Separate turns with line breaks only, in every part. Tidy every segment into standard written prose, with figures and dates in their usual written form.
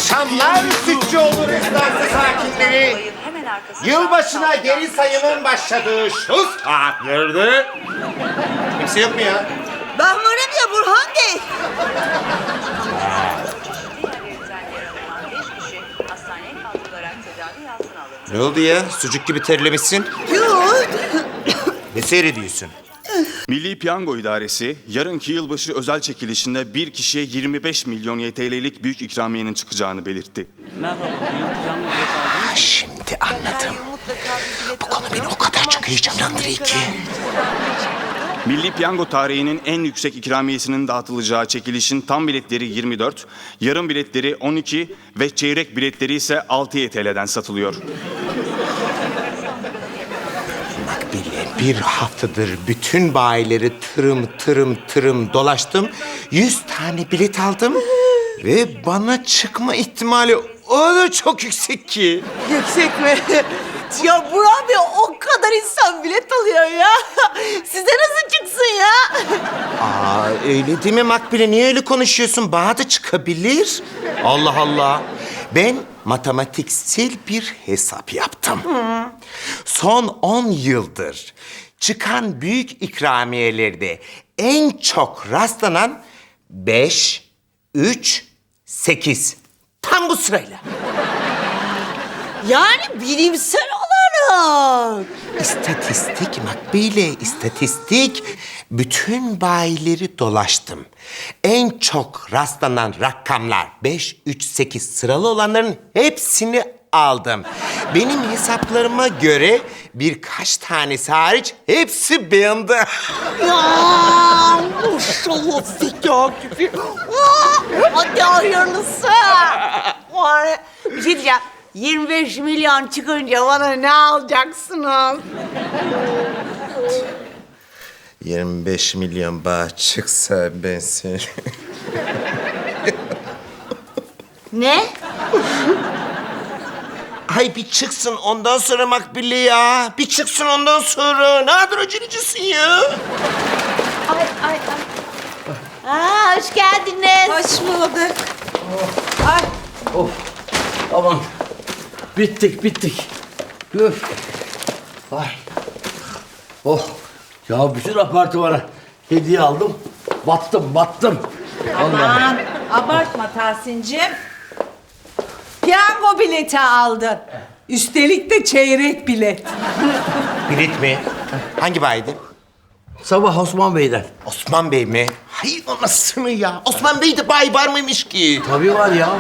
akşamlar Sütçüoğlu rezidansı sakinleri. Yılbaşına geri sayımın başladığı şu saatlerde... Kimse yok mu ya?
Ben varım ya Burhan Bey.
Ne oldu ya? Sucuk gibi terlemişsin.
Yok.
Ne seyrediyorsun?
Milli Piyango İdaresi, yarınki yılbaşı özel çekilişinde bir kişiye 25 milyon YTL'lik büyük ikramiyenin çıkacağını belirtti.
Şimdi anladım. Bu konu beni o kadar çok heyecanlandırıyor ki.
Milli Piyango tarihinin en yüksek ikramiyesinin dağıtılacağı çekilişin tam biletleri 24, yarım biletleri 12 ve çeyrek biletleri ise 6 YTL'den satılıyor.
Makbule, bir haftadır bütün bayileri tırım dolaştım. 100 tane bilet aldım. Ve bana çıkma ihtimali o da çok yüksek ki.
Yüksek mi? Ya Burhan Bey o kadar insan bilet alıyor ya. Size nasıl çıksın ya?
Aa, öyle değil mi Makbule? Niye öyle konuşuyorsun? Bana da çıkabilir. Allah Allah. Ben matematiksel bir hesap yaptım. Son 10 yıldır çıkan büyük ikramiyelerde en çok rastlanan 5, 3, 8. Tam bu sırayla.
Yani bilimsel olarak.
İstatistik Makbule, istatistik. Bütün bayileri dolaştım. En çok rastlanan rakamlar 5, 3, 8 sıralı olanların hepsini aldım. Benim hesaplarıma göre birkaç tanesi hariç hepsi bende.
Ya maşallah zeka gibi. Hadi hayırlısı. Var ya, bir şey diyeceğim. 25 milyon çıkınca bana ne alacaksınız?
25 milyon bağ çıksa ben seni...
Ne?
Ay bir çıksın ondan sonra Makbule ya. Bir çıksın ondan sonra. Ne kadar acelecisin ya.
Ay. Aa, hoş geldiniz.
Hoş bulduk. Ay.
Of, aman. Bittik. Üf. Ay. Oh, ya bütün apartmana hediye aldım. Battım.
Aman abartma Tahsin'cim. Piyango bileti aldın. Üstelik de çeyrek bilet.
Bilet mi? Hangi baydi?
Sabah Osman Bey'den.
Osman Bey mi? Hay anasını ya. Osman Bey'de bay var mıymış ki?
Tabii var ya.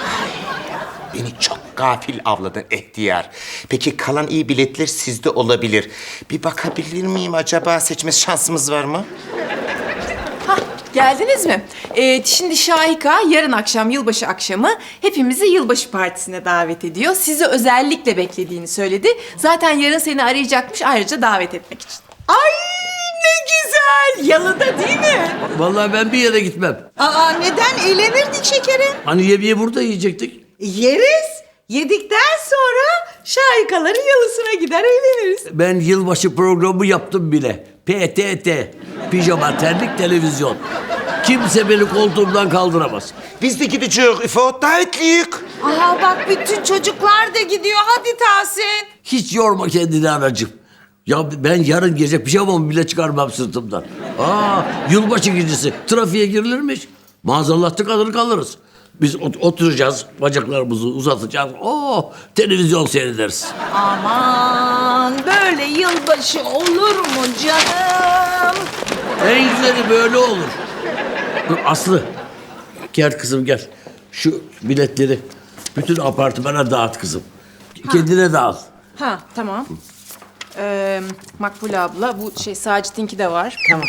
Beni çok gafil avladın ihtiyar. Peki kalan iyi biletler sizde olabilir. Bir bakabilir miyim acaba? Seçme şansımız var mı?
Hah, geldiniz mi? Şimdi Şahika yarın akşam yılbaşı akşamı hepimizi yılbaşı partisine davet ediyor. Sizi özellikle beklediğini söyledi. Zaten yarın seni arayacakmış ayrıca davet etmek için.
Ay ne güzel. Yalıda değil mi?
Vallahi ben bir yere gitmem.
Aa neden? Eğlenirdik şekerim.
Hani yemeği burada yiyecektik.
Yeriz. Yedikten sonra şahikaların yalısına gider eğleniriz.
Ben yılbaşı programı yaptım bile. PTT. Pijama, terlik, televizyon. Kimse beni koltuğumdan kaldıramaz.
Biz de gideceğiz İfo. Davetliyiz.
Aha bak bütün çocuklar da gidiyor. Hadi Tahsin.
Hiç yorma kendini anacığım. Ya ben yarın gece pijamamı bile çıkarmam sırtımdan. Yılbaşı gecesi trafiğe girilirmiş. Maazallah tıkanır kalırız. Biz oturacağız, bacaklarımızı uzatacağız. Televizyon seyrederiz.
Aman böyle yılbaşı olur mu canım?
En güzeli böyle olur. Dur Aslı, gel kızım gel. Şu biletleri bütün apartmana dağıt kızım. Kendine dağıt.
Ha, tamam. Makbule abla, bu Sacit'inki de var. Tamam.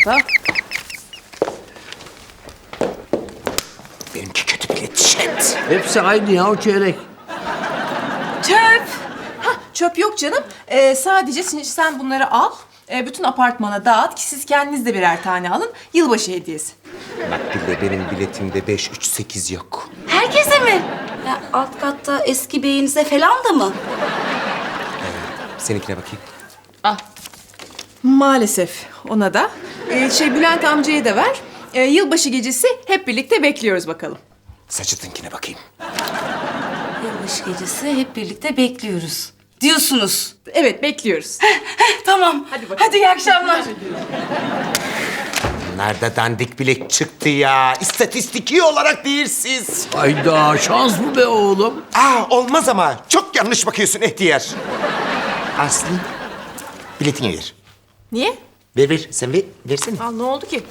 Benimki kötü bilet şet.
Hepsi aynı ya, o çeyrek.
Çöp! Hah, çöp yok canım. Sadece sen bunları al. Bütün apartmana dağıt ki siz kendiniz de birer tane alın. Yılbaşı hediyesi.
Makbule benim biletimde 5, 3, 8 yok.
Herkese mi? Ya alt katta eski beyinize falan da mı?
Seninkine bakayım.
Maalesef ona da. Bülent amcaya da ver. Yılbaşı gecesi hep birlikte bekliyoruz bakalım.
Saçıtınkine bakayım.
Yılbaşı gecesi hep birlikte bekliyoruz diyorsunuz.
Evet, bekliyoruz.
Tamam. Hadi iyi akşamlar.
Nerede dandik bilet çıktı ya? İstatistiki olarak değilsiz.
Hayda şans mı be oğlum?
Olmaz ama. Çok yanlış bakıyorsun ihtiyar. Aslı, biletini ver.
Niye?
Ver. Sen versene.
Aa, ne oldu ki?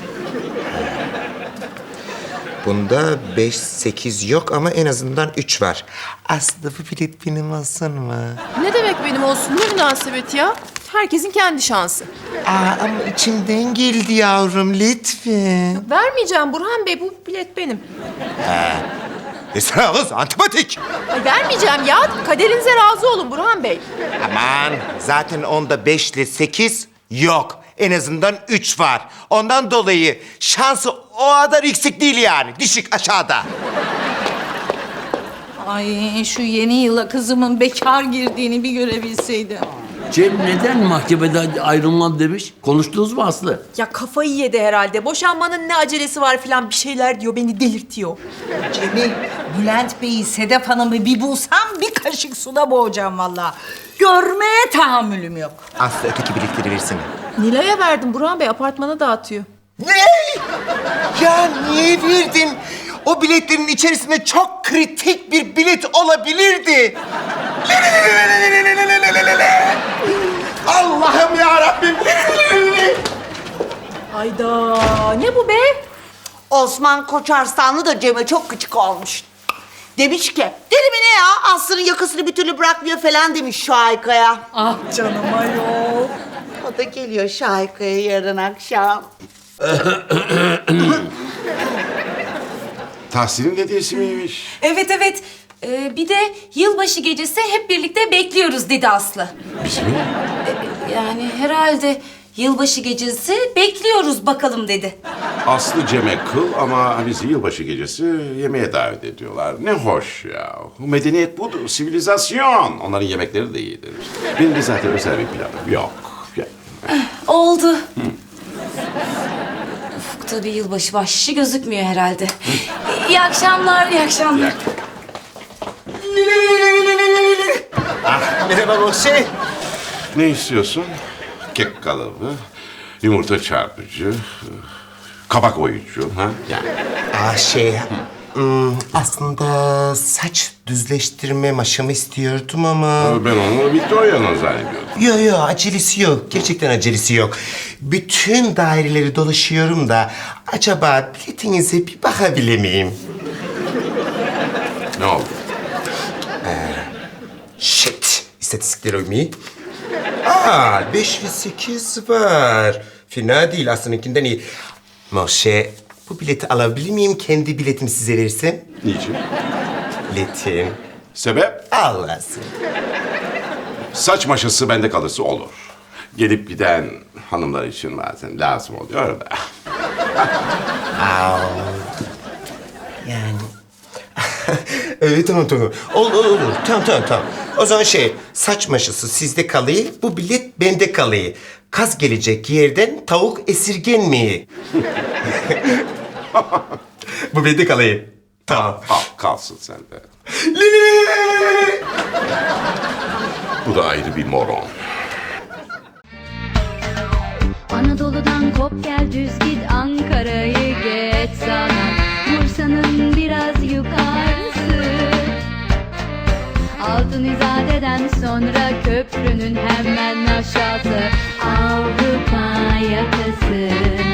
Bunda 5, 8 yok ama en azından 3 var. Aslı bu bilet benim olsun mu?
Ne demek benim olsun? Ne münasebet ya? Herkesin kendi şansı.
Ama içimden geldi yavrum lütfen.
Vermeyeceğim Burhan Bey, bu bilet benim.
Esra kız antipatik.
Ay, vermeyeceğim ya. Kaderinize razı olun Burhan Bey.
Aman zaten onda 5 ile 8 yok. En azından 3 var. Ondan dolayı şansı o kadar yüksek değil yani. Düşük aşağıda.
Ay şu yeni yıla kızımın bekar girdiğini bir görebilseydim.
Cem neden mahkemede ayrılmam demiş? Konuştunuz mu Aslı?
Ya kafayı yedi herhalde. Boşanmanın ne acelesi var falan bir şeyler diyor. Beni delirtiyor.
Cemil, Bülent Bey'i, Sedef Hanım'ı bir bulsam bir kaşık suda boğacağım vallahi. Görmeye tahammülüm yok.
Aslı öteki biletleri versene.
Nilay'a verdim. Burhan Bey apartmana dağıtıyor.
Ne? Ya niye verdin? O biletlerin içerisinde çok kritik bir bilet olabilirdi. Allah'ım ya Rabbim.
Hayda. Ne bu be?
Osman Koçarslanlı da Cem'e çok küçük olmuş. Demiş ki, deli mi ne ya? Aslı'nın yakasını bir türlü bırakmıyor falan demiş Şahika'ya.
Ah canım ayol.
O da geliyor Şahika'ya yarın akşam.
Tahsin'in hediyesi miymiş?
Evet. Bir de yılbaşı gecesi hep birlikte bekliyoruz dedi Aslı.
Biz mi?
Yani herhalde yılbaşı gecesi bekliyoruz bakalım dedi.
Aslı Cem'e kıl ama bizi yılbaşı gecesi yemeğe davet ediyorlar. Ne hoş ya. Medeniyet budur, sivilizasyon. Onların yemekleri de iyidir. Benim de zaten özel bir planım yok.
Oldu. Ufukta bir yılbaşı bahşişi gözükmüyor herhalde. İyi akşamlar, iyi akşamlar.
Merhaba Boşe.
Ne istiyorsun? Kek kalıbı, yumurta çarpıcı, kabak oyucu. Ha? Yani.
Aslında saç düzleştirme maşamı istiyordum ama...
Ben onu Victoria'nın zannediyordum.
Yok acelesi yok. Gerçekten acelesi yok. Bütün daireleri dolaşıyorum da acaba biletinize bir bakabilir miyim?
Ne oldu?
Shit. İstatistikler uymuyor. 5 ve 8 var. Fena değil aslınınkinden iyi. Moşe, bu bileti alabilir miyim? Kendi biletimi size versem.
Niçin?
Biletim.
Sebep?
Allah'sın.
Saç maşası bende kalırsa olur. Gelip giden hanımlar için bazen lazım oluyor da.
Yani... Evet tamam. Olur. Tamam. O zaman saç maşası sizde kalıyor, bu bilet bende kalıyor. Kaz gelecek yerden tavuk esirgenmiyor. Bu bende kalıyor. Tamam.
Al, kalsın sende. Bu da ayrı bir moron.
Anadolu'dan kop gel düz git Ankara'yı geç sana Bursa'nın biraz yukarısı Altın İzade'den sonra köprünün hemen aşağısı Avrupa yakası